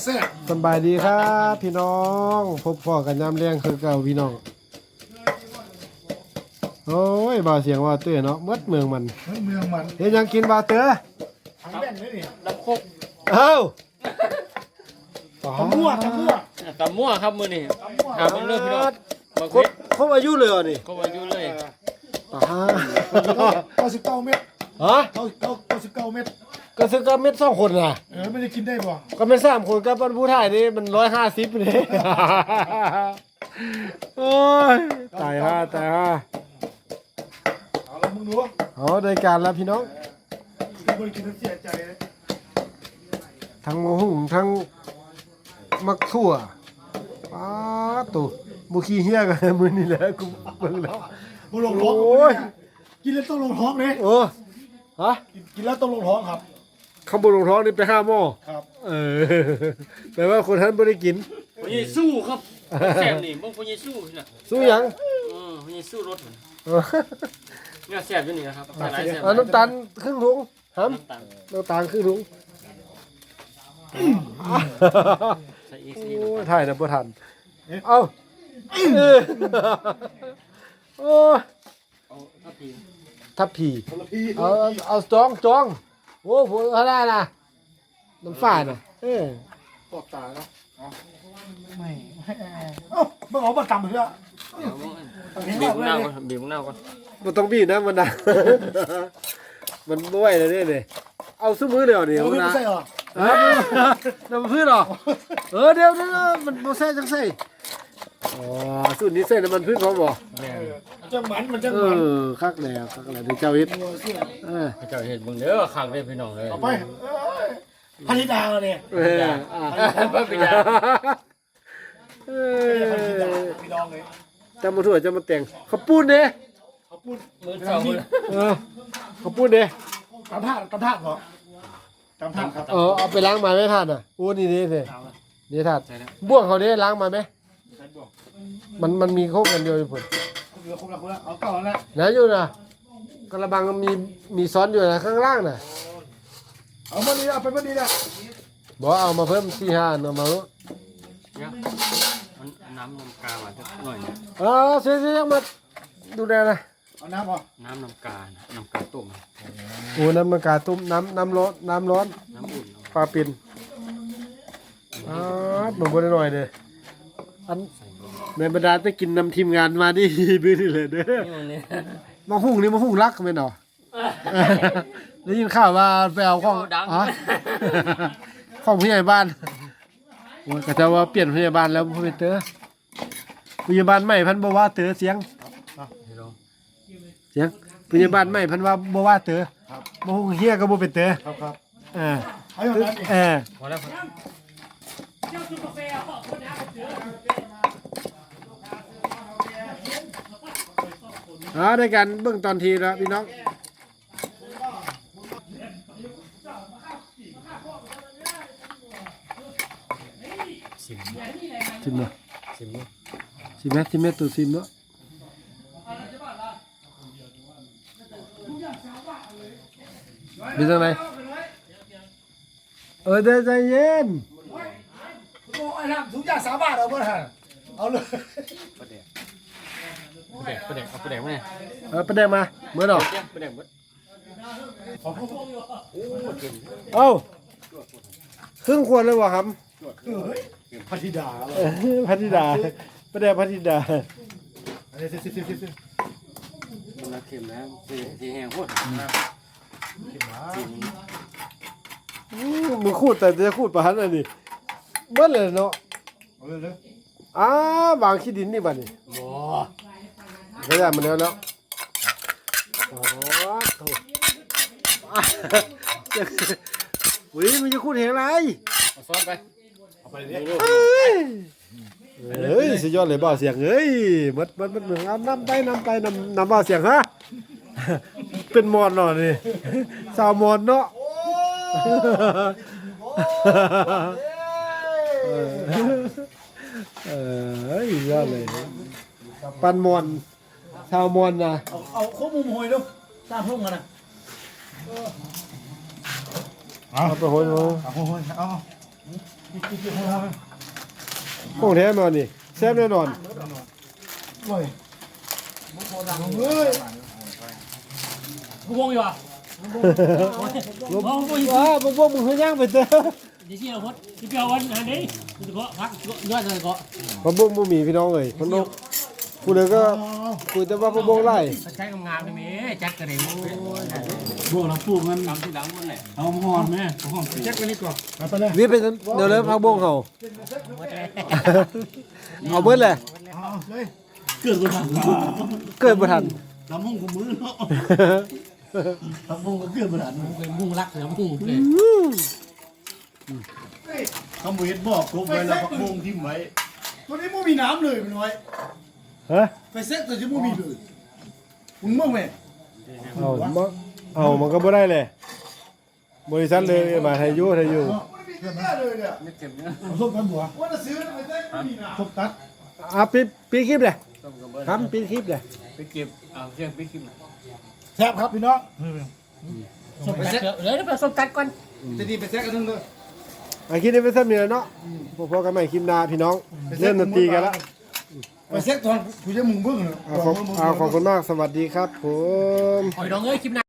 แซ่บสบายดีครับพี่น้องพบพ่อกันยามแรงคือเก่าพี่น้องโอ้ยบ่าวเสียงว่าเตื้อเนาะมดเมืองมันเมืองมันเฮ็ดหยังกินบ่าวเตื้อทางแว่นเลยนี่น้ำโคกเอ้าตำมั่วตำมั่วครับมื้อนี้หาเบิ่งเด้อพี่น้องบักครเพ็บดครบอายุเลยเหรอนี่ก็ว่าอยู่เลยตา 99 เม็ดฮะ 99 เม็ดก็ซื้อกับเม็ด2คนน่ะไม่ได้กินได้บ่ก็เม็ด3คนกับผู้ถ่ายนี่มัน150นี่โอ้ยตายห่าเอาละมึงดูเอาได้การแล้วพี่น้องที่บ่ได้กินเสียใจเลยทั้งมะฮุ่งทั้งมักทั่วป้าตุบุขี้เหี้ยกันมือนี่แหละกูเบิ่งแล้วบ่ลงท้องโอ้ยกินแล้วต้องลงท้องเลยเออฮะกินแล้วต้องลงท้องครับข้าวบนรองท้องนี่ไปห้าหม้อครับเออแปลว่าคนท่านไม่ได้กินพญสู้ครับแซ่บนี่เบิ่งพญสู้น่ะสู้หยังพญสู้รถเออเนี่ยแซ่บอยู่นี่นะครับหลายแซ่บเอาน้ำตาลครึ่งถุงหน้ำตาลำน้ำตาลครึ่งถุงใส่อีกโอสีน้ำ้ยตาลถ่ายนะบ่ทันเอาเออโอ้ยเอาทับทีทับผีคนละพี่เอาจองโอ้ผมเอาได้นะน้ำฝ้าน่ะเออตบตาเนาะไม่เอ้ามึงเอามาตำเถอะเดี๋ยวบีบมะนาวก่อนบีบมะนาวก่อนมันต้องบีบนะมันนะ มันบ่ไหวแล้วเนี่ยเอาซุ้มือเดียวเดียวไม่นะใช่เหรอน้ำพืชหรอเดี๋ยวมันโมเซ่จังใส่อ๋อสูตรนี้ใส่น้ำมันพืชพร้อมบ่จะหมันจะเอหมันอคักแล้วเดี๋ยวเจ้าเฮ็ดเออให้เจ้าเฮ็ดเบิ่งเด้อคักเด้อพี่น้องเอ้ยเอาไปพันธิดาเนี่ยเออบ่เป็นหยังเอพันธิดาอพี่น้องเลยจำมาถั่วจำมาแต่งข้าวปุ้นเด้เขาพูดมื้อเช้ามื้อเออข้าวปุ้นเด้ตำท่าเหรอตำท่าครับเอาไปล้างมาไหมท่านอ่ะโอ้นี่นี่นี่ท่านใส่แล้วบ่วงเขาเด้ล้างมาไหมใช่บอกมันมีโคกกันเดียวอยู่พุ่นเหลือคนละเอาเก่าแล้วนะอยู่นะกระบังมีซ้อนอยู่นะข้างล่างน่ะเอามาดีเอาไปมาดีนะบอกเอามาเพิ่ม4-5เอามาเนี่ยมันน้ำกามาสักหน่อยนะเสียมาดูแลนะเอาน้ำพอน้ำกานะน้ำกาต้มโอ้น้ำมันกาตุ้มน้ำร้อนน้ำร้อนน้ำอุ่นปลาปิ่นหนุ่มบนหน่อยเด้ออันในบรรดาจะกินนำทีมงานมานี่ บื้อนี่เลยเด้อนี่มันเนี่ยมาหุ่งนี่มาหุ่งรักไหมเนาะได้ยินข่าวว่าไปเอาของของผู้ใหญ่บ้านโอ้ยก็จะว่าเปลี่ยนผู้ใหญ่บ้านแล้วผู้เป็นเตอผู้ใหญ่บ้านใหม่พันบ่ว่าเตอเสียงผู้ใหญ่บ้านใหม่พันว่าบ่ว่าเตอบ่ฮู้เฮียก็บ่เป็นเตอครับเออเอาอย่างนั้นเออพอแล้วได้กันเบิ่งตอนทีแล้วพี่น้องชิมเนาะสิมื้อชิมไหมตัวชิมเนาะเป็นจังไดเดี๋ยวใจเย็นโอ้ยน้ำถุงยาง3 บาทเอาเมื่อไหร่เอาเลยประเดกเอาประเดกมาเนี่ยประเด็นมาเมื่อดอกประเดกเอ้าครึ่งขวดเลยวะครับพันธิดาพัทธิดาประเด็นพัทธิดาอันนี้สิมันเค็มแล้วสีแห้งโคตรมึงขูดแต่จะขูดประหันอันนี้เบิ้ลเลยเนาะเอาเลยวางขี้ดินนี่บ้านี่บ่ก็ได้มันแล้วเนาะโอ้โหอุ้ยมันจะขูดเห็นอะไรเอาซ้อนไปเอาไปเลยเฮ้ยสุดยอดเลยบ่าวเสียงเฮ้ยมัดเหมือนเอาน้ำไปน้ำบ่าวเสียงฮะเป็นมอนหน่อยนี่สาวมอนเนาะเฮ้ยยอดเลยปันมอนชาวมอนนะเอาข้อมูลหอยดูตามพวกมันนะเอาไปโหยเอาหอยเอาของแท้มานี่แซ่บแน่นอนโอ้ยมุกโบดังเฮ้ยกูวงอยู่อ่ะลบพวกมึงเฮย่างไปเถอะเดี๋ยวเชี่ยวพดที่เปียววันอันนี้มันจะเกาะพักยอดเลยเกาะพวกบ่มีพี่น้องเอ้ยคนนกผู้ใดก็คุยแต่ว่าพวกไล่ใช้งามๆได้ไหมจัดกระเด็นพวกเราพูดมันทำที่หลังมันแหละเอาหอนแม่หอนเช็คไปนี่ก่อนไปเลยวิเป็นเดี๋ยวเลยพักบงเฮาเอาเบิดแหละเอาเลยเกิดมาทันเกิดบ่ทันลำห้องกูมือเนาะลำห้องก็เกิดมาทันเป็นมุ่งรักเหนือมุ่งเลยเขาเห็นบอกครบไว้แล้วพักวงทิ้งไว้ตัวนี้มูมีน้ำเลยมันน้อยฮะไปเซ็ตตัวที่มูมีเลยมึงมึงไหมเอามันก็บ่ได้เลยบริษัทเลยมาไทยอยู่ไม่มีแค่เลยเนี่ยไม่เก็บเนี่ยส้มกันบัวว่าจะซื้อไปเซ็ตมูมีน้ำส้มตัดปีคลิปเลยต้องกระเบื้องทำปีคลิปเลยไปเก็บเชือกไปขึ้นแซ่บครับพี่น้องส้มตัดเลยแล้วไปส้มตัดก่อนจะดีไปเซ็ตกันทั้งเลยคลิปนี้เป็นซ้ำนี่แหละเนาะพอๆกันใหม่คลิปหน้าพี่น้องเริ่มดนตรีกันแล้วไปเซ็ตตอนผู้จะมึงเบิ้งเลยขอบคุณมากสวัสดีครับผมหอยดองเอ้ยคลิปหน้า